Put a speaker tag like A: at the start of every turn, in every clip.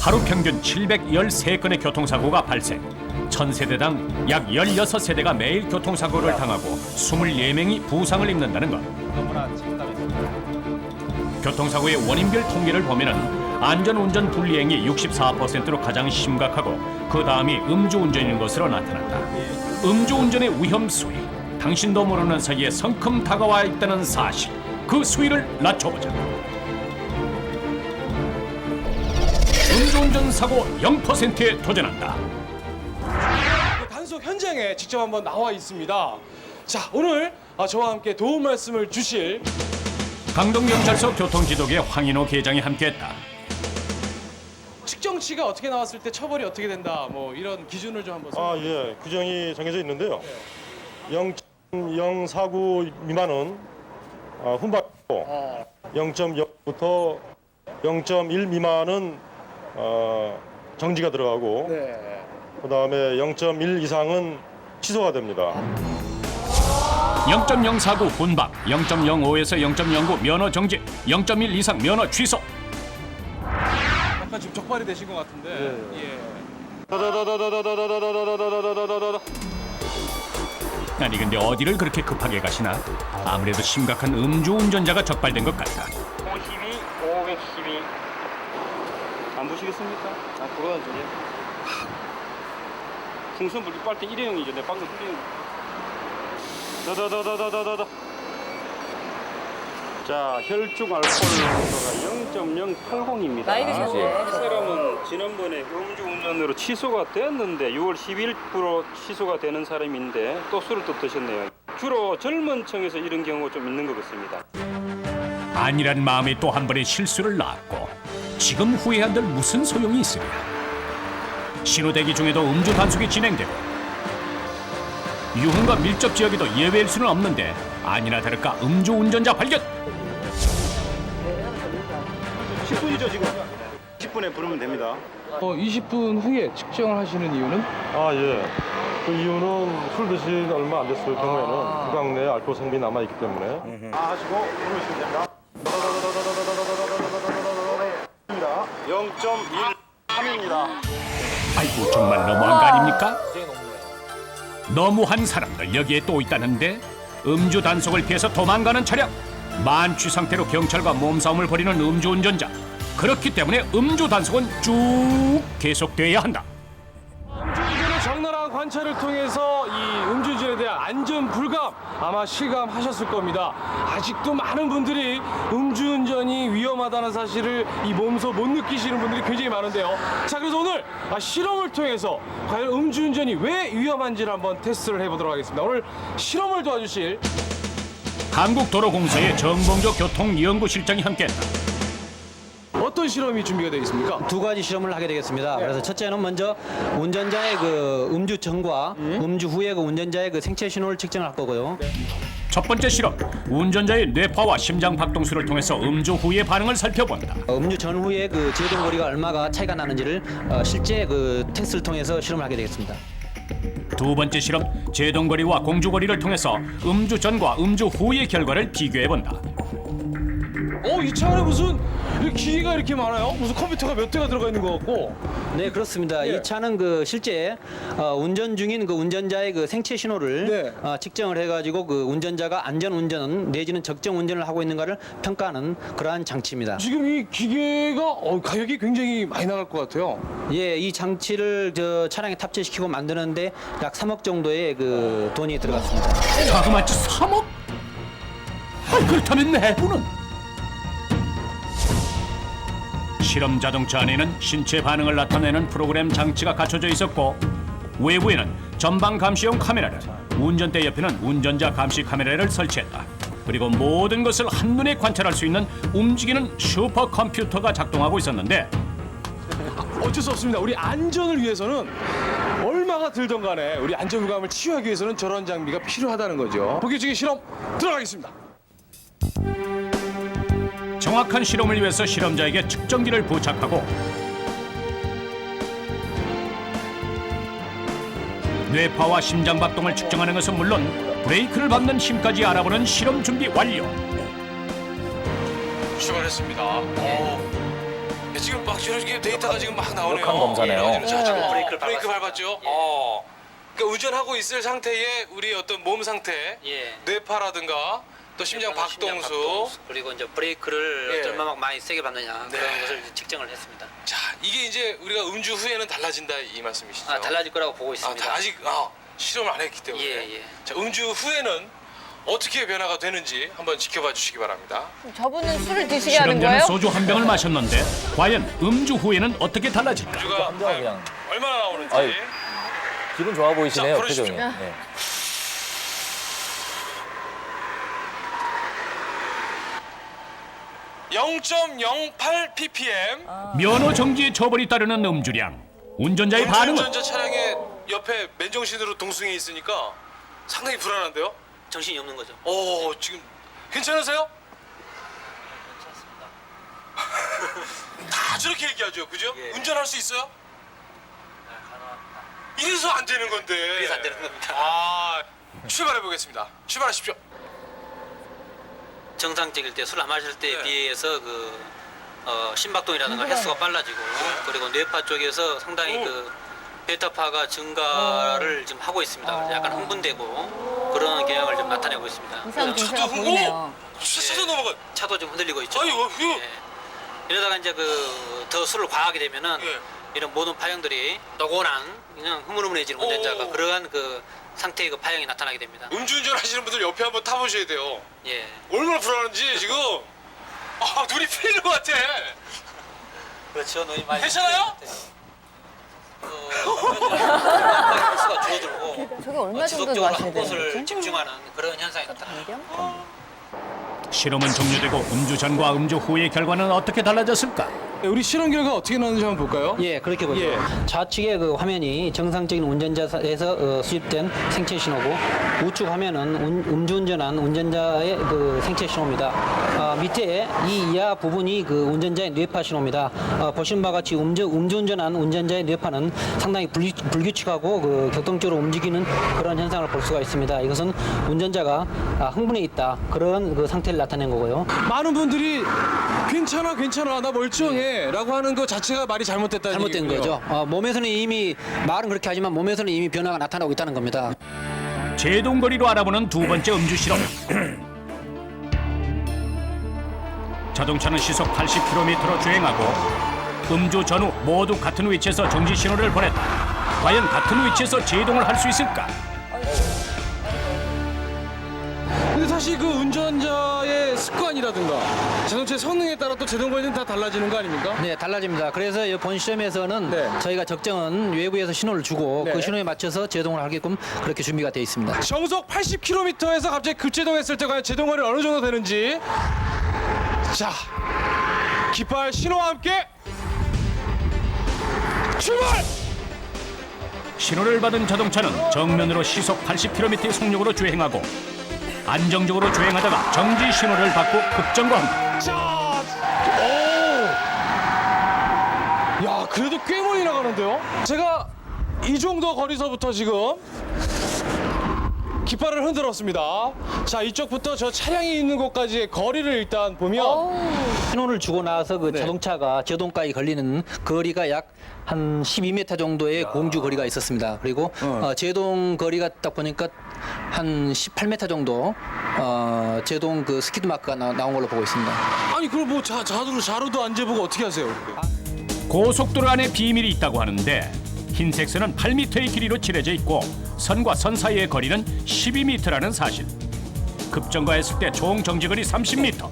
A: 하루 평균 713건의 교통사고가 발생. 1000세대당 약 16세대가 매일 교통사고를 당하고 24명이 부상을 입는다는 것. 교통사고의 원인별 통계를 보면은 안전운전 불이행이 64%로 가장 심각하고 그 다음이 음주운전인 것으로 나타난다. 음주운전의 위험 수위, 당신도 모르는 사이에 성큼 다가와 있다는 사실, 그 수위를 낮춰보자. 음주운전 사고 0%에 도전한다.
B: 단속 현장에 직접 한번 나와 있습니다. 자, 오늘 저와 함께 도움 말씀을 주실
A: 강동경찰서 교통지도계 황인호 계장이 함께했다.
B: 측정치가 어떻게 나왔을 때 처벌이 어떻게 된다, 뭐 이런 기준을 좀 한번
C: 예. 규정이 정해져 있는데요. 0.049 미만은 훈발이고 0.0부터 0.1 미만은 정지가 들어가고 그다음에 0.1 이상은 취소가 됩니다.
A: 0.049 훈박, 0.05에서 0.09 면허 정지, 0.1 이상 면허 취소.
B: 약간 지금 적발이 되신 것 같은데. 예.
A: 아니 근데 어디를 그렇게 급하게 가시나? 아무래도 심각한 음주운전자가 적발된 것 같다.
D: 512, 512. 안 보시겠습니까? 그거는 저기. 풍선 불기 빨대 일회용이죠. 내 방금 흘리는. 더더더더더더더. 자, 혈중 알코올 농도가 0.080입니다.
E: 나이 드셨네.
D: 이 사람은 지난번에 음주운전으로 취소가 됐는데 6월 12일부로 취소가 되는 사람인데 또 술을 또 드셨네요. 주로 젊은 층에서 이런 경우가 좀 있는 것 같습니다.
A: 아니란 마음에 또 한 번의 실수를 낳았고 지금 후회한들 무슨 소용이 있으랴. 신호대기 중에도 음주 단속이 진행되고 유흥과 밀접 지역에도 예외일 수는 없는데 아니나 다를까 음주운전자 발견.
D: 10분이죠 지금. 10분에 부르면 됩니다.
B: 20분 후에 측정을 하시는 이유는?
C: 예. 그 이유는 술 드신 얼마 안 됐을 경우에는 구강 내에 알코올 성분이 남아 있기 때문에 하시고 부르시면 됩니다. 0.13입니다.
A: 아이고 정말 너무한 거 아닙니까? 너무한 사람들 여기에 또 있다는데 음주 단속을 피해서 도망가는 차량, 만취 상태로 경찰과 몸싸움을 벌이는 음주운전자. 그렇기 때문에 음주 단속은 쭉 계속돼야 한다.
B: 음주운전의 적나라한 관찰을 통해서 이 음주운전에 대한 안전 불감 아마 실감하셨을 겁니다. 아직도 많은 분들이 음주운전이 위험하다는 사실을 이 몸소 못 느끼시는 분들이 굉장히 많은데요. 자, 그래서 오늘 실험을 통해서 과연 음주운전이 왜 위험한지를 한번 테스트를 해보도록 하겠습니다. 오늘 실험을 도와주실
A: 한국도로공사의 정봉조 교통연구실장이 함께했다.
B: 어떤 실험이 준비가 되어 있습니까?
F: 두 가지 실험을 하게 되겠습니다. 그래서 첫째는 먼저 운전자의 그 음주 전과 음주 후에 그 운전자의 그 생체 신호를 측정할 거고요.
A: 첫 번째 실험, 운전자의 뇌파와 심장 박동수를 통해서 음주 후의 반응을 살펴본다.
F: 음주 전후에 그 제동거리가 얼마가 차이가 나는지를 실제 그 테스트를 통해서 실험을 하게 되겠습니다.
A: 두 번째 실험, 제동거리와 공주거리를 통해서 음주 전과 음주 후의 결과를 비교해본다.
B: 이 차 안에 무슨 기기가 이렇게 많아요? 무슨 컴퓨터가 몇 대가 들어가 있는 것 같고.
F: 네, 그렇습니다. 이 차는 그 실제 운전 중인 그 운전자의 그 생체 신호를 측정을 해가지고 그 운전자가 안전 운전 내지는 적정 운전을 하고 있는가를 평가하는 그러한 장치입니다.
B: 지금 이 기계가 가격이 굉장히 많이 나갈 것 같아요.
F: 예, 이 장치를 저 차량에 탑재시키고 만드는데 약 3억 정도의 그 돈이 들어갔습니다.
A: 자그마치 3억? 그렇다면 내부는? 실험 자동차 안에는 신체 반응을 나타내는 프로그램 장치가 갖춰져 있었고 외부에는 전방 감시용 카메라를, 운전대 옆에는 운전자 감시 카메라를 설치했다. 그리고 모든 것을 한눈에 관찰할 수 있는 움직이는 슈퍼컴퓨터가 작동하고 있었는데
B: 어쩔 수 없습니다. 우리 안전을 위해서는 얼마가 들던 간에 우리 안전감을 치유하기 위해서는 저런 장비가 필요하다는 거죠. 본격적인 실험 들어가겠습니다.
A: 정확한 실험을 위해서 실험자에게 측정기를 부착하고 뇌파와 심장 박동을 측정하는 것은 물론 브레이크를 밟는 힘까지 알아보는 실험 준비 완료.
B: 출발했습니다. 지금 막 이렇게 데이터가 지금 막 나오네요.
E: 완벽한 검사네요.
B: 자, 지금
F: 브레이크를
B: 브레이크 밟았죠. 그러니까 운전하고 있을 상태에 우리 어떤 몸 상태,
F: 예.
B: 뇌파라든가 또 심장 박동수.
F: 그리고 이제 브레이크를
B: 예.
F: 얼마나 많이 세게 밟느냐
B: 네.
F: 그런 것을 이제 측정을 했습니다.
B: 자, 이게 이제 우리가 음주 후에는 달라진다 이 말씀이시죠?
F: 달라질 거라고 보고
B: 아,
F: 있습니다.
B: 아직 실험을 안 했기 때문에.
F: 예.
B: 자, 음주 후에는 어떻게 변화가 되는지 한번 지켜봐 주시기 바랍니다.
G: 저분은 술을 드시게 하는
A: 실험자는
G: 거예요?
A: 소주 한 병을 마셨는데 과연 음주 후에는 어떻게 달라질까?
B: 음주가
E: 혼자 그냥
B: 얼마나 나오는지.
E: 아유. 기분 좋아 보이시네요,
B: 자, 보내십시오.
E: 표정이. 네.
B: (0.08 ppm)
A: 면허 정지의 처벌이 따르는 음주량. 운전자의 반응은
B: 운전자 차량의 옆에 맨정신으로 동승해 있으니까 상당히 불안한데요?
F: 정신이 없는 거죠.
B: 지금 괜찮으세요? 다 저렇게 얘기하죠, 그죠?
F: 예.
B: 운전할 수 있어요? 이래서 안 되는 건데.
F: 그래서 안 되는 겁니다.
B: 출발해 보겠습니다. 출발하십시오.
F: 정상적일 때 술 안 마실 때에
B: 네.
F: 비해서 심박동이라든가 횟수가 빨라지고 그리고 뇌파 쪽에서 상당히 베타파가 증가를 지금 하고 있습니다. 그래서 약간 흥분되고 그런 경향을 좀 나타내고 있습니다.
G: 이상
F: 그래서
G: 증세가 보이네요.
B: 차도 넘어가.
F: 차도 좀 흔들리고 있죠.
B: 아이고, 이거.
F: 예. 이러다가 이제 더 술을 과하게 되면은
B: 예.
F: 이런 모든 파형들이 노곤한 그냥 흐물흐물해지는 운전자가 그러한 상태의 파형이 나타나게 됩니다.
B: 음주운전 하시는 분들 옆에 한번 타보셔야 돼요.
F: 예.
B: 얼마나 불안한지 지금. 눈이 풀리는 것 같아.
F: 그렇죠. 너희 많이
B: 괜찮아요?
F: 횟수가 줄어들고
G: 저게 얼마 정도
F: 지속적으로
G: 마셔야
F: 한
G: 되는
F: 곳을
G: 거지?
F: 집중하는 그런 현상이 나타납니다.
A: 실험은 종료되고 음주 전과 음주 후의 결과는 어떻게 달라졌을까?
B: 우리 실험 결과 어떻게 나왔는지 한번 볼까요?
F: 예, 그렇게 보죠.
B: 예.
F: 좌측의 화면이 정상적인 운전자에서 수입된 생체 신호고 우측 화면은 음주운전한 운전자의 생체 신호입니다. 밑에 이 이하 부분이 운전자의 뇌파 신호입니다. 보신 바와 같이 음주운전한 운전자의 뇌파는 상당히 불규칙하고 격동적으로 움직이는 그런 현상을 볼 수가 있습니다. 이것은 운전자가 흥분해 있다 그런 상태를 나타낸 거고요.
B: 많은 분들이 괜찮아 나 멀쩡해 라고 하는 것 자체가 말이 잘못됐다는
F: 잘못된
B: 얘기고요.
F: 거죠. 몸에서는 이미 말은 그렇게 하지만 몸에서는 이미 변화가 나타나고 있다는 겁니다.
A: 제동거리로 알아보는 두 번째 음주 실험. 자동차는 시속 80km로 주행하고 음주 전후 모두 같은 위치에서 정지 신호를 보냈다. 과연 같은 위치에서 제동을 할 수 있을까?
B: 근데 사실 운전자의 습관이라든가 자동차의 성능에 따라 또 제동거리는 다 달라지는 거 아닙니까?
F: 네, 달라집니다. 그래서 본 시험에서는
B: 네.
F: 저희가 적정은 외부에서 신호를 주고
B: 네.
F: 그 신호에 맞춰서 제동을 하게끔 그렇게 준비가 되어 있습니다.
B: 정속 80km에서 갑자기 급제동했을 때 과연 제동거리 어느 정도 되는지. 자, 깃발 신호와 함께 출발!
A: 신호를 받은 자동차는 정면으로 시속 80km의 속력으로 주행하고 안정적으로 주행하다가 정지 신호를 받고 급정거합니다.
B: 자, 야, 그래도 꽤 멀리 나가는데요? 제가 이 정도 거리서부터 지금 깃발을 흔들었습니다. 자, 이쪽부터 저 차량이 있는 곳까지의 거리를 일단 보면
F: 신호를 주고 나서
B: 네.
F: 자동차가 제동까지 걸리는 거리가 약 한 12m 정도의 공주 거리가 있었습니다. 그리고 제동 거리가 딱 보니까 한 18m 정도 제동 스키드 마크가 나온 걸로 보고 있습니다.
B: 아니 그럼 뭐 자루도 안 재보고 어떻게 하세요?
A: 고속도로 안에 비밀이 있다고 하는데 흰색 선은 8m의 길이로 칠해져 있고 선과 선 사이의 거리는 12m라는 사실. 급정거했을 때 총 정지거리 30m.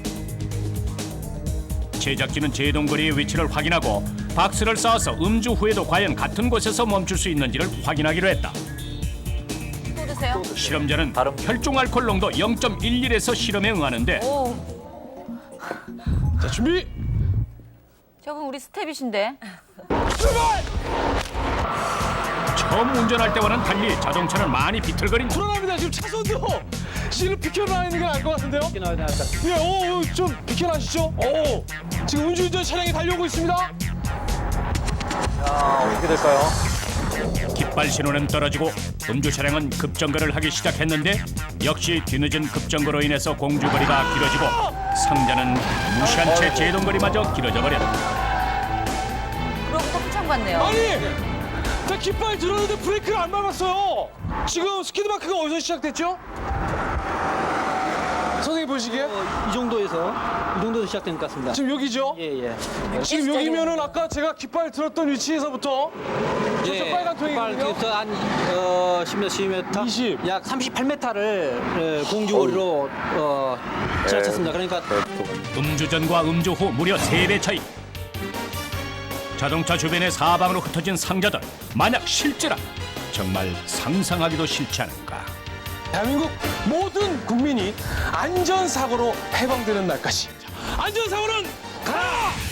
A: 제작진은 제동거리의 위치를 확인하고 박스를 쌓아서 음주 후에도 과연 같은 곳에서 멈출 수 있는지를 확인하기로 했다.
G: 또 드세요?
A: 실험자는 혈중 알코올 농도 0.11에서 실험에 응하는데
G: 오,
B: 자, 준비!
G: 저분 우리 스텝이신데.
A: 처음 운전할 때와는 달리 자동차는 많이 비틀거린다.
B: 불안합니다. 지금 차선도 지금 비켜나 있는 게 나을 것 같은데요? 예, 좀 비켜나시죠? 지금 음주운전 차량이 달려오고 있습니다.
E: 어떻게 될까요?
A: 깃발 신호는 떨어지고 음주 차량은 급정거를 하기 시작했는데 역시 뒤늦은 급정거로 인해서 공주거리가 길어지고 상자는 무시한 채 제동거리마저 길어져 버렸다.
G: 받네요.
B: 아니, 나 깃발 들었는데 브레이크를 안 밟았어요. 지금 스키드마크가 어디서 시작됐죠? 선생님 보시기에?
F: 이 정도에서 시작된 것 같습니다.
B: 지금 여기죠?
F: 예.
B: 지금 여기면은 아까 제가 깃발 들었던 위치에서부터 저쪽 빨간 통이거든요.
F: 깃발 한 10m,
B: 20.
F: 약 38m를 공주거리로 지나쳤습니다. 그러니까
A: 음주전과 음주 후 무려 3배 차이. 자동차 주변에 사방으로 흩어진 상자들, 만약 실제라면 정말 상상하기도 싫지 않은가.
B: 대한민국 모든 국민이 안전사고로 해방되는 날까지 안전사고는 가라!